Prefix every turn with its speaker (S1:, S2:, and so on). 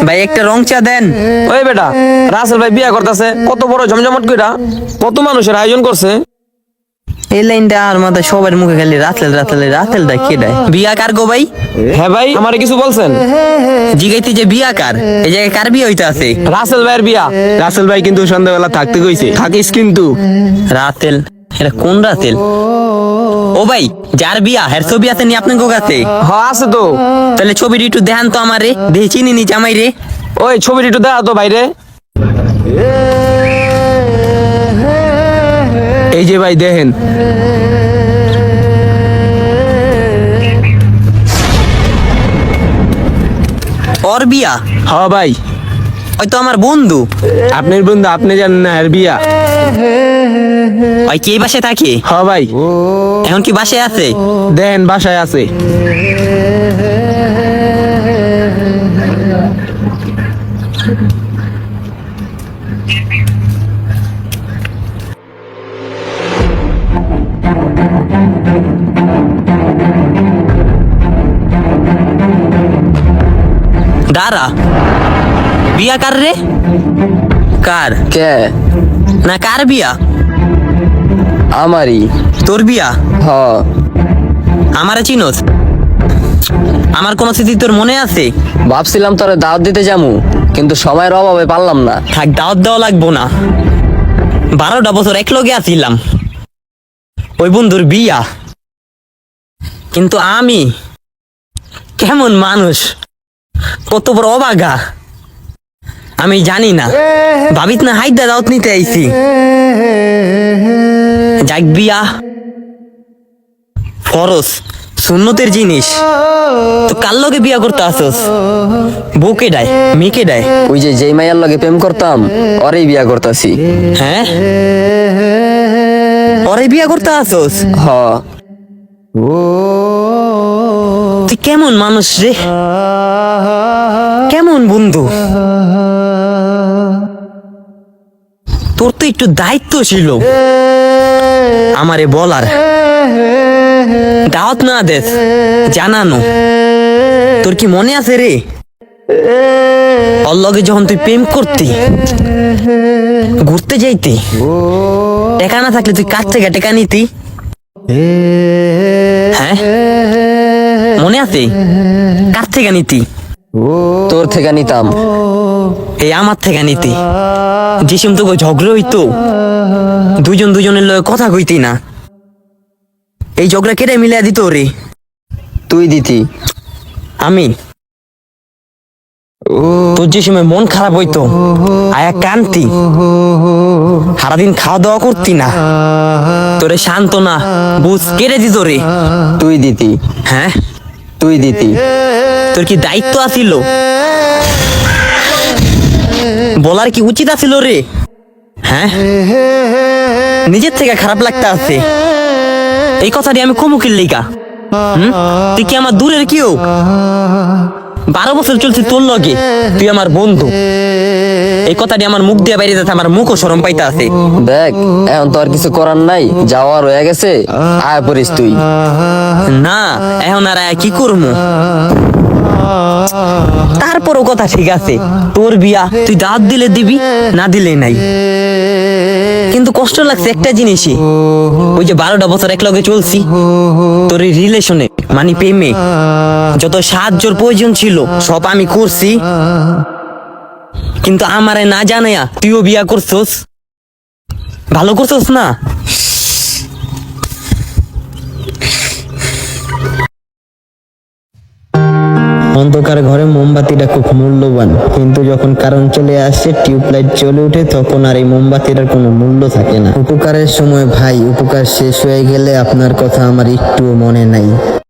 S1: ভাই একটা রং চা দেন।
S2: ওই বেটা, রাসেল ভাই বিয়া করতেছে, কত বড় জমজমাট কইরা, কত মানুষের আয়োজন করছে।
S1: এই লাইনটা আর মাথায় সবার মুখে খালি রাতেল রাতেল, রাতেলটা কে দেয়? বিয়া কার গো ভাই?
S2: হ্যাঁ ভাই, আমারে কিছু বলছেন?
S1: জিগাইতে যে বিয়া কার, এই জায়গায় কার বিয়া হইতে আছে?
S2: রাসেল ভাইয়ের বিয়া।
S3: রাসেল ভাই কিন্তু সন্ধ্যাবেলা থাকতে কইছে, থাকিস কিন্তু।
S1: রাতেল? এটা কোন রাতেল? ও ভাই, যার বিয়া হের ছবি আছে নি আপনার কাছে?
S2: হ্যাঁ আছে তো।
S1: তাহলে ছবিটি একটু দেখান তো আমারে, দেখে চিনি নি জামাই রে।
S2: ওই ছবিটি একটু দেখা তো বাইরে।
S3: এই যে ভাই দেখেন,
S1: ওর বিয়া?
S3: হ্যাঁ ভাই,
S1: হয়তো আমার বন্ধু।
S3: আপনার বন্ধু, আপনি জানেন না এর বিয়া?
S1: ওই কে বাসায় থাকে?
S3: হ্যাঁ ভাই,
S1: এখন কি বাসায় আছে?
S3: দেখেন বাসায় আছে।
S1: দাঁড়া, বিয়া কার রে? কার?
S2: কে?
S1: না কার বিয়া?
S2: আমারই।
S1: তোর বিয়া?
S2: হ।
S1: আমারে চিনোস? আমার কোন স্মৃতি তোর মনে আছে?
S2: ভাবছিলাম তোরে দাওয়াত দিতে যামু, কিন্তু সময়ের অভাবে পারলাম না।
S1: থাক, দাওয়াত দেওয়া লাগবো না। 12টা বছর এক লগে আছিলাম, ওই বন্ধুর বিয়া। কিন্তু আমি কেমন মানুষ, কত বড় অবাগা আমি জানি না। ভাবিত না হাইদা দাওয়াত নিতে আইছি। যাক, বিয়া ফরজ সুন্নতের জিনিস, তো কার লগে বিয়া করতে আসস? বউকে ডায়, মেয়েকে ডায়?
S2: ওই যে যেই মাইয়ার লগে প্রেম করতাম, ওরেই বিয়া করতাছি।
S1: হ্যাঁ, ওরে বিয়া করতে আসস?
S2: হ।
S1: তুই কেমন মানুষ রে, কেমন বন্ধু? তোর তো একটু দায়িত্ব ছিল আমারে বলার, দাওয়াত না দেস, জানানো। তোর কি মনে আছে রে, ওর লগে যখন তুই প্রেম করতি, ঘুরতে যাইতি, টাকা না থাকলে তুই কাছ থেকে টাকা নিতি? হ্যাঁ, মনে আছে? কার থেকে নিতি?
S2: তোর থেকে নিতাম।
S1: এই আমার থেকে নিতি। যেসম তোকে ঝগড়া হইতো, দুজন দুজনের লগে কথা কইতি না, এই ঝগড়া কেটে মিলিয়ে দিত রে?
S2: তুই দিতি।
S1: আমি? তোর যে সময় মন খারাপ হইতো, আয়া কান্তি, সারাদিন খাওয়া দাওয়া করতি না, তোরে সান্ত্বনা বুঝ কেড়ে দিত রে?
S2: তুই দিতি।
S1: হ্যাঁ,
S2: তুই দিতি।
S1: তোর কি দায়িত্ব আছিল? বলার কি উচিত আছিল রে? হ্যাঁ, নিজের থেকে খারাপ লাগতে আছে এই কথাটি আমি কমুকির লিগা? তুই কি আমার দূরের কেউ? 12 বছর চলছে তোর লগে, তুই আমার বন্ধু। এই কথাটি আমার মুখ দিয়ে বাইরে যাচ্ছে, আমার মুখও শরম পাইতে আছে।
S2: দেখ, এখন তো আর কিছু করার নাই, যাওয়ার হয়ে গেছে, আয় পড়িস তুই।
S1: না, এখন আর কি করবো? তারপরও কথা ঠিক আছে, তোর বিয়া, তুই দাঁত দিলে দিবি, না দিলে নাই। কিন্তু কষ্ট লাগছে একটা জিনিসই, ওই যে 12টা বছর এক লগে চলছি, তোর এই রিলেশনে মানে প্রেমে যত সাহায্যর প্রয়োজন ছিল সব আমি করছি, কিন্তু আমারে না জানাইয়া তুইও বিয়া করছস। ভালো করছস না? অন্ধকার ঘরে মোমবাতিটা খুব মূল্যবান, কিন্তু যখন কারেন্ট চলে আসে, টিউবলাইট জ্বলে ওঠে, তখন আর এই মোমবাতিটার কোনো মূল্য থাকে না। উপকারের সময় ভাই, উপকার শেষ হয়ে গেলে আপনার কথা আমার একটুও মনে নাই।